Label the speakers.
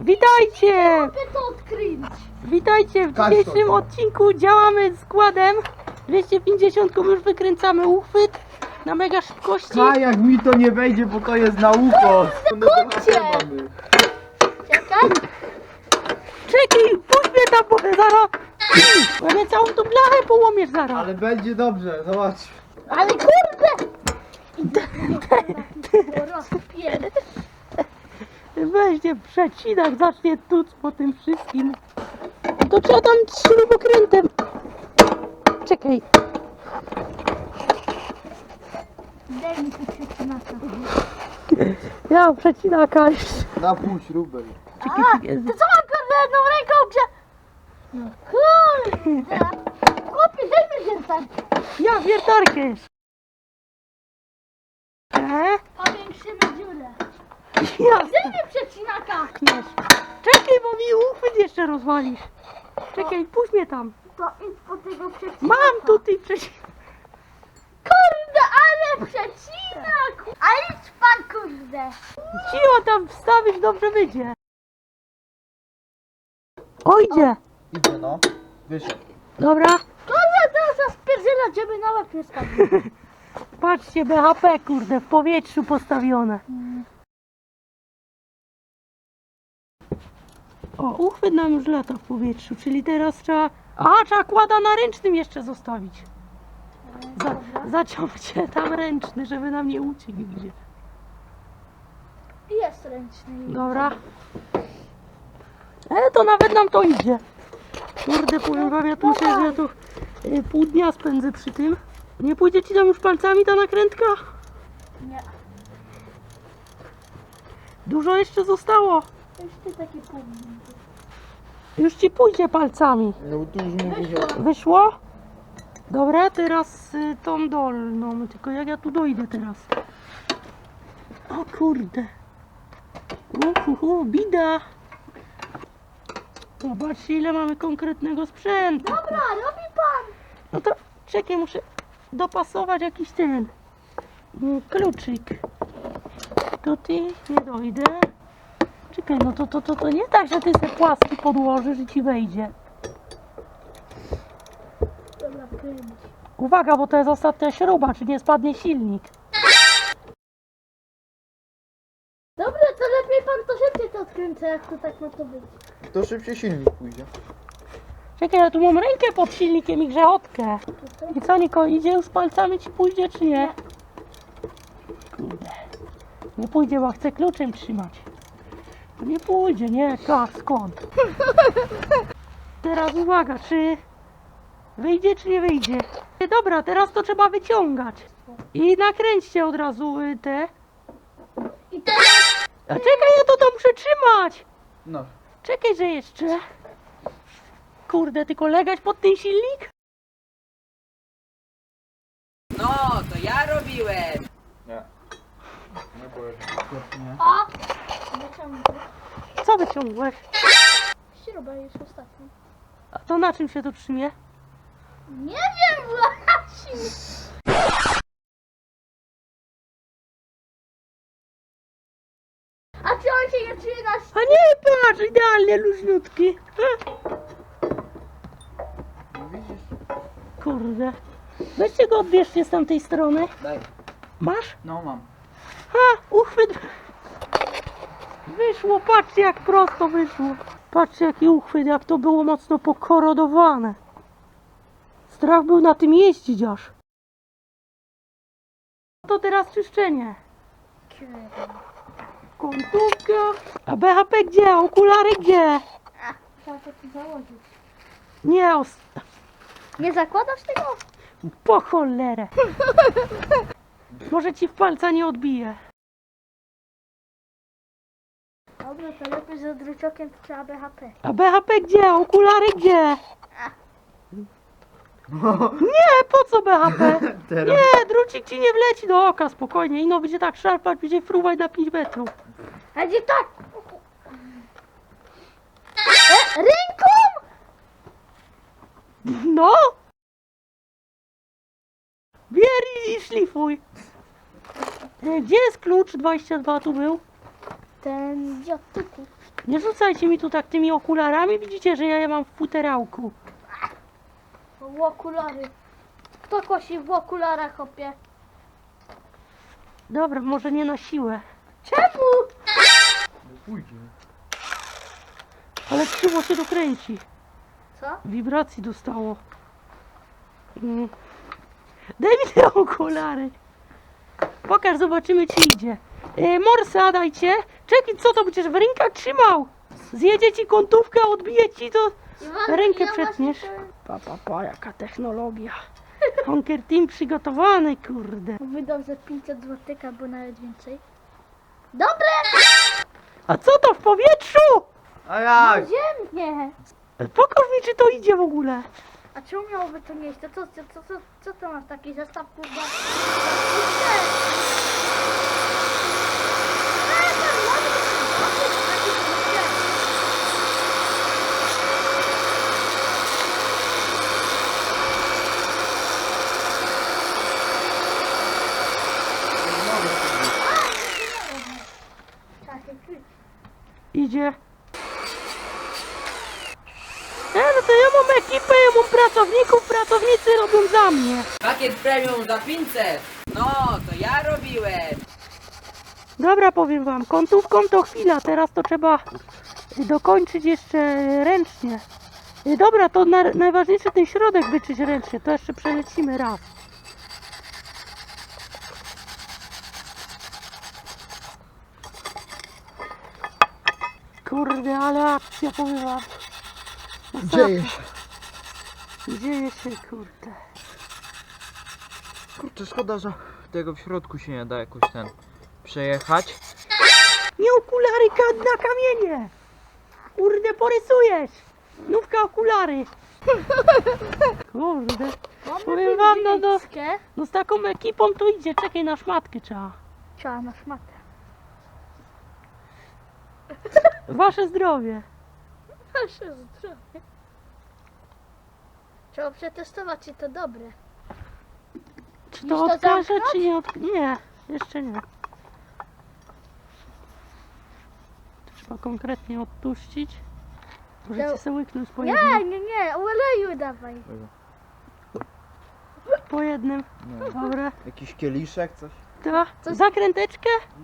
Speaker 1: Witajcie!
Speaker 2: Mogę to odkryć.
Speaker 1: Witajcie w dzisiejszym odcinku. Działamy składem 250, już wykręcamy uchwyt na mega szybkości.
Speaker 3: A jak mi to nie wejdzie, bo to jest na ucho.
Speaker 2: Kurczę. Czekaj.
Speaker 1: Czekaj, puść mnie tam, bo zaraz... Bo całą tą blachę połomiesz zaraz.
Speaker 3: Ale będzie dobrze, zobacz.
Speaker 2: Ale kurde. Rozpierd.
Speaker 1: Weźcie przecinak, zacznie tuc po tym wszystkim. To trzeba tam śrubokrętem. Czekaj.
Speaker 2: Daj mi tu przecinaka.
Speaker 1: Ja mam przecinaka już.
Speaker 3: Na pół śrubę.
Speaker 1: Czekaj, czekaj.
Speaker 2: Ty co mam kurde jedną ręką grze? No kurde. Chłopie, daj mi wiertarkę.
Speaker 1: Ja wiertarkę jeszcze.
Speaker 2: Powiększymy dziurę.
Speaker 1: Jasne.
Speaker 2: Daj mi przecinaka.
Speaker 1: Kniesz. Czekaj, bo mi uchwyt jeszcze rozwalisz. Czekaj, puść mnie tam.
Speaker 2: To idź po tego przecinaka.
Speaker 1: Mam tutaj przecinak.
Speaker 2: Kurde, ale przecinak. A idź pan kurde.
Speaker 1: Cicho tam wstawisz, dobrze wyjdzie. O, idzie.
Speaker 3: Idzie no. Wyszedł.
Speaker 1: Dobra.
Speaker 2: Kurde, teraz spierdziela, żeby na łeb nie spadł.
Speaker 1: Patrzcie, BHP, kurde, w powietrzu postawione. O, uchwyt nam już lata w powietrzu, czyli teraz trzeba... A, trzeba kłada na ręcznym jeszcze zostawić. Zaciągcie tam ręczny, żeby nam nie uciekł gdzie.
Speaker 2: Jest ręczny.
Speaker 1: Dobra. To nawet nam to idzie. Kurde, powiem wam, ja tu myślę, że ja tu pół dnia spędzę przy tym. Nie pójdzie ci tam już palcami ta nakrętka?
Speaker 2: Nie.
Speaker 1: Dużo jeszcze zostało.
Speaker 2: Jeszcze takie pół minuty.
Speaker 1: Już ci pójdzie palcami.
Speaker 3: No tu już mówię.
Speaker 1: Wyszło? Dobra, teraz tą dolną. Tylko jak ja tu dojdę teraz? O kurde. Bida. Zobaczcie, ile mamy konkretnego sprzętu.
Speaker 2: Dobra, robi pan.
Speaker 1: No to czekaj, muszę dopasować jakiś ten kluczyk. Tutaj nie dojdę. Czekaj, no to nie tak, że ty sobie płaski podłożysz i ci wejdzie.
Speaker 2: Dobra, kręć.
Speaker 1: Uwaga, bo to jest ostatnia śruba, czy nie spadnie silnik.
Speaker 2: Dobra, to lepiej pan to szybciej to odkręca, jak to tak ma to być.
Speaker 3: To szybciej silnik pójdzie.
Speaker 1: Czekaj, ja tu mam rękę pod silnikiem i grzechotkę. I co, Niko, idzie już palcami ci pójdzie, czy nie? Kurde. Nie pójdzie, bo chcę kluczem trzymać. To nie pójdzie, nie? Tak, skąd? Teraz uwaga, czy wyjdzie, czy nie wyjdzie? Dobra, teraz to trzeba wyciągać. I nakręćcie od razu te.
Speaker 2: I teraz
Speaker 1: A czekaj, ja to muszę trzymać.
Speaker 3: No.
Speaker 1: Czekaj, że jeszcze. Kurde, tylko legać pod ten silnik?
Speaker 4: No, to ja robiłem.
Speaker 3: Nie. Nie powiem. Nie.
Speaker 2: a wyciągnę.
Speaker 1: Co wyciągłeś?
Speaker 2: Śruba jest ostatnia.
Speaker 1: A to na czym się to trzymie?
Speaker 2: Nie wiem właśnie. A czy on się nie czuje na
Speaker 1: A nie, patrz, idealnie luźniutki.
Speaker 3: No widzisz?
Speaker 1: Kurde. Weźcie go, odbierzcie z tamtej strony.
Speaker 3: Daj.
Speaker 1: Masz?
Speaker 3: No mam.
Speaker 1: Uchwyt. Wyszło, patrzcie jak prosto wyszło. Patrzcie jaki uchwyt, jak to było mocno pokorodowane. Strach był na tym jeździć aż. To teraz czyszczenie. Końcówka. A BHP gdzie? A okulary gdzie?
Speaker 2: Trzeba to tu założyć.
Speaker 1: Nie,
Speaker 2: Nie zakładasz tego?
Speaker 1: po cholerę. Może ci w palca nie odbije.
Speaker 2: Dobra, to lepiej z druciokiem trzeba BHP.
Speaker 1: A BHP gdzie? A okulary gdzie? Nie, po co BHP?
Speaker 3: Teraz.
Speaker 1: Nie, drucik ci nie wleci do oka, spokojnie. Ino będzie tak szarpać, będzie fruwać na 5 metrów.
Speaker 2: A gdzie tak? Ręką?
Speaker 1: No! Bier i szlifuj. Gdzie jest klucz? 22 tu był.
Speaker 2: Ten dziad typu.
Speaker 1: Nie rzucajcie mi tu tak tymi okularami, widzicie, że ja je mam w futerałku.
Speaker 2: W okulary. Kto kosi w okularach, hopie?
Speaker 1: Dobra, może nie na siłę.
Speaker 2: Czemu?
Speaker 3: No pójdzie.
Speaker 1: Ale krzywo się dokręci.
Speaker 2: Co?
Speaker 1: Wibracji dostało. Daj mi te okulary. Pokaż, zobaczymy czy idzie. Morsa dajcie. Czekaj, co to będziesz w rękach trzymał? Zjedzie ci kątówkę, odbije ci to.
Speaker 2: Iwan,
Speaker 1: Rękę
Speaker 2: ja
Speaker 1: przetniesz.
Speaker 2: właśnie
Speaker 1: Pa, jaka technologia. Honker Team przygotowany, kurde.
Speaker 2: wydał za 500 zł albo nawet więcej. Dobre!
Speaker 1: A co to w powietrzu?
Speaker 3: A jak?
Speaker 2: Ziemnie!
Speaker 1: Pokaż mi, czy to idzie w ogóle.
Speaker 2: A czemu miałoby to nie iść? Co to masz taki zestaw kurwa?
Speaker 1: Idzie. No to ja mam ekipę, ja mam pracowników, pracownicy robią za mnie.
Speaker 4: Pakiet premium za 500. No, to ja robiłem.
Speaker 1: Dobra, powiem wam, kątówką to chwila, teraz to trzeba dokończyć jeszcze ręcznie. Dobra, to najważniejszy ten środek wyczyść ręcznie, to jeszcze przelecimy raz. Kurde, ale akcja, powiem wam.
Speaker 3: Dzieje się.
Speaker 1: Dzieje się, kurde.
Speaker 3: Kurczę, szkoda, że tego w środku się nie da jakoś przejechać.
Speaker 1: Nie okulary na kamienie! Kurde, porysujesz! Nówka okulary! Kurde. Powiem wam, no z taką ekipą to idzie, czekaj, na szmatkę trzeba.
Speaker 2: Trzeba na szmatę.
Speaker 1: Wasze zdrowie.
Speaker 2: Nasze zdrowie. Trzeba przetestować, czy to dobre.
Speaker 1: Czy
Speaker 2: Już
Speaker 1: to
Speaker 2: to
Speaker 1: odkażę,
Speaker 2: zamknąć?
Speaker 1: czy nie Nie, jeszcze nie. To trzeba konkretnie odtuścić. Możecie sobie łyknąć po jednym.
Speaker 2: Nie, oleju dawaj.
Speaker 1: Po jednym.
Speaker 3: No.
Speaker 1: Dobra.
Speaker 3: Jakiś kieliszek, coś?
Speaker 1: To zakręteczkę.